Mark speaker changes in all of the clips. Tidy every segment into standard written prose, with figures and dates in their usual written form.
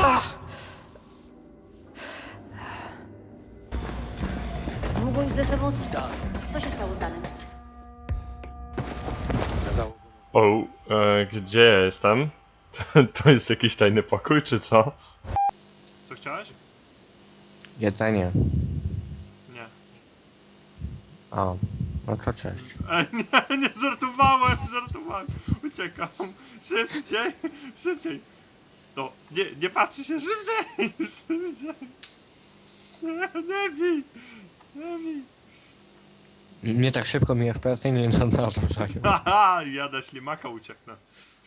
Speaker 1: Długo już ze sobą spał. Co się stało z Danem?
Speaker 2: O, gdzie ja jestem? To jest jakiś tajny pokój, czy co?
Speaker 3: Co chciałeś?
Speaker 4: Jedzenie.
Speaker 3: Nie.
Speaker 4: O, no to cześć.
Speaker 3: Nie, żartowałem. Uciekam. Szybciej, szybciej. No, nie patrzy się, szybciej. Nie bij.
Speaker 4: Nie tak szybko mi FPS nie nadążają.
Speaker 3: Haha, ja na ślimaka ucieknę.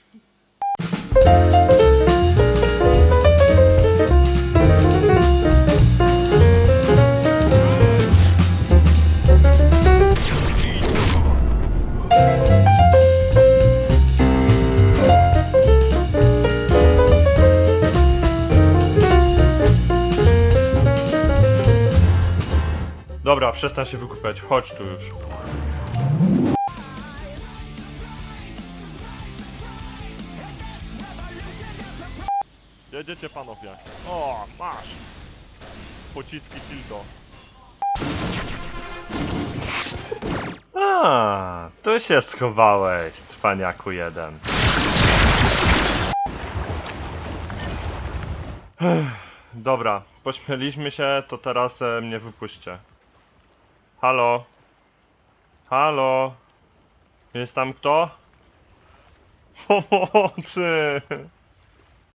Speaker 2: Dobra, przestań się wykupiać, chodź tu już.
Speaker 3: Jedziecie panowie. O, masz. Pociski dildo.
Speaker 2: A, tu się schowałeś, cwaniaku jeden. Dobra, pośmieliśmy się, to teraz mnie wypuśćcie. Halo? Halo? Jest tam kto? Pomocy!